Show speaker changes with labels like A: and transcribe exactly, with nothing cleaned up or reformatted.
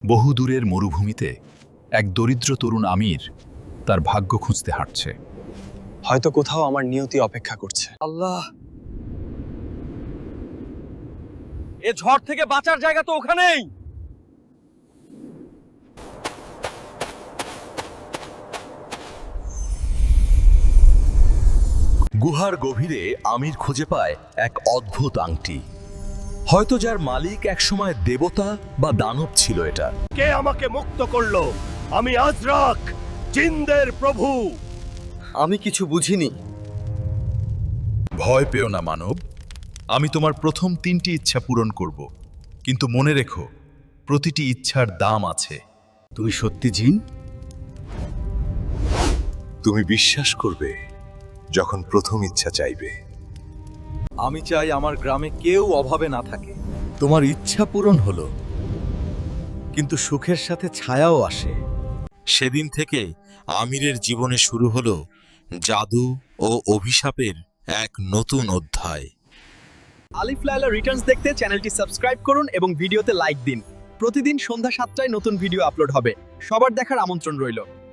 A: বহু দূরের মরুভূমিতে এক দরিদ্র তরুণ আমির তার ভাগ্য খুঁজতে হাঁটছে।
B: হয়তো কোথাও আমার নিয়তি অপেক্ষা করছে।
C: আল্লাহ, এ ঝড় থেকে বাঁচার জায়গা তো ওখানেই।
D: গুহার গভীরে আমির খুঁজে পায় এক অদ্ভুত আংটি, হয়তো যার মালিক একসময় দেবতা বা দানব ছিল। এটা
E: কে আমাকে মুক্ত করলো? আমি আজরাক, জিনদের প্রভু।
C: আমি কিছু বুঝিনি।
A: ভয় পেও না মানব, আমি তোমার প্রথম তিনটি ইচ্ছা পূরণ করব, কিন্তু মনে রেখো প্রতিটি ইচ্ছার দাম আছে।
D: তুমি সত্যি জিন? তুমি বিশ্বাস করবে যখন প্রথম ইচ্ছা চাইবে।
C: আমি চাই আমার গ্রামে কেউ অভাবে না থাকে।
D: তোমার ইচ্ছা পূরণ হলো, কিন্তু সুখের সাথে ছায়াও আসে। সেদিন থেকে আমিরের জীবনে শুরু হলো জাদু ও অভিশাপের এক নতুন অধ্যায়।
C: আলিফ লায়লা রিটার্নস দেখতে চ্যানেলটি সাবস্ক্রাইব করুন এবং ভিডিওতে লাইক দিন। প্রতিদিন সন্ধ্যা সাতটায় নতুন ভিডিও আপলোড হবে। সবার দেখার আমন্ত্রণ রইল।